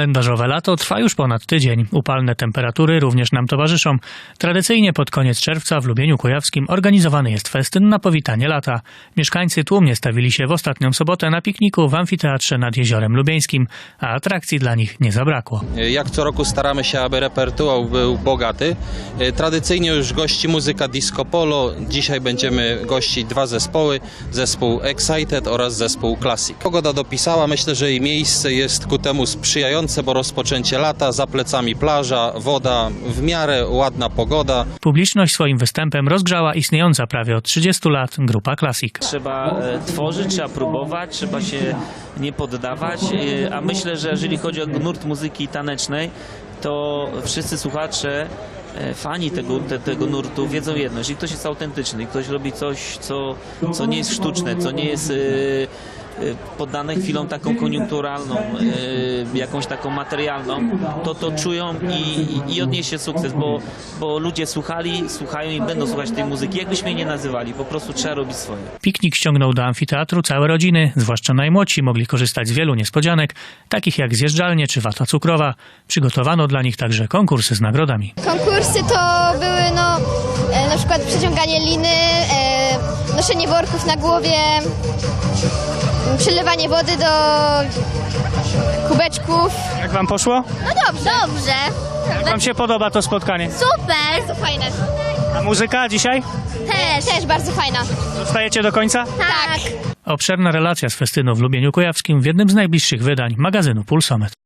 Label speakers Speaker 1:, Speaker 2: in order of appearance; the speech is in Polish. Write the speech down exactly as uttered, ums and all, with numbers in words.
Speaker 1: Kalendarzowe lato trwa już ponad tydzień. Upalne temperatury również nam towarzyszą. Tradycyjnie pod koniec czerwca w Lubieniu Kujawskim organizowany jest festyn na powitanie lata. Mieszkańcy tłumnie stawili się w ostatnią sobotę na pikniku w amfiteatrze nad Jeziorem Lubieńskim, a atrakcji dla nich nie zabrakło.
Speaker 2: Jak co roku staramy się, aby repertuar był bogaty. Tradycyjnie już gości muzyka disco polo. Dzisiaj będziemy gościć dwa zespoły. Zespół Excited oraz zespół Classic. Pogoda dopisała. Myślę, że i miejsce jest ku temu sprzyjające, bo rozpoczęcie lata, za plecami plaża, woda, w miarę ładna pogoda.
Speaker 1: Publiczność swoim występem rozgrzała istniejąca prawie od trzydziestu lat grupa Classic.
Speaker 3: Trzeba e, tworzyć, trzeba próbować, trzeba się nie poddawać, e, a myślę, że jeżeli chodzi o nurt muzyki tanecznej, to wszyscy słuchacze, e, fani tego, te, tego nurtu wiedzą jedno: jeżeli ktoś jest autentyczny, ktoś robi coś, co, co nie jest sztuczne, co nie jest e, poddane chwilą taką koniunkturalną, yy, jakąś taką materialną, to to czują i, i, i odniesie sukces, bo, bo ludzie słuchali, słuchają i będą słuchać tej muzyki, jakbyśmy jej nie nazywali, po prostu trzeba robić swoje.
Speaker 1: Piknik ściągnął do amfiteatru całe rodziny, zwłaszcza najmłodsi mogli korzystać z wielu niespodzianek, takich jak zjeżdżalnie czy wata cukrowa. Przygotowano dla nich także konkursy z nagrodami.
Speaker 4: Konkursy to były no, e, na przykład przeciąganie liny, e, noszenie worków na głowie, przelewanie wody do kubeczków.
Speaker 5: Jak wam poszło?
Speaker 4: No dobrze. Dobrze.
Speaker 5: Jak wam się podoba to spotkanie?
Speaker 4: Super. Bardzo fajne.
Speaker 5: A muzyka dzisiaj?
Speaker 4: Też. Też bardzo fajna.
Speaker 5: Zostajecie do końca?
Speaker 4: Tak.
Speaker 1: Obszerna relacja z festynu w Lubieniu Kujawskim w jednym z najbliższych wydań magazynu Pulsomet.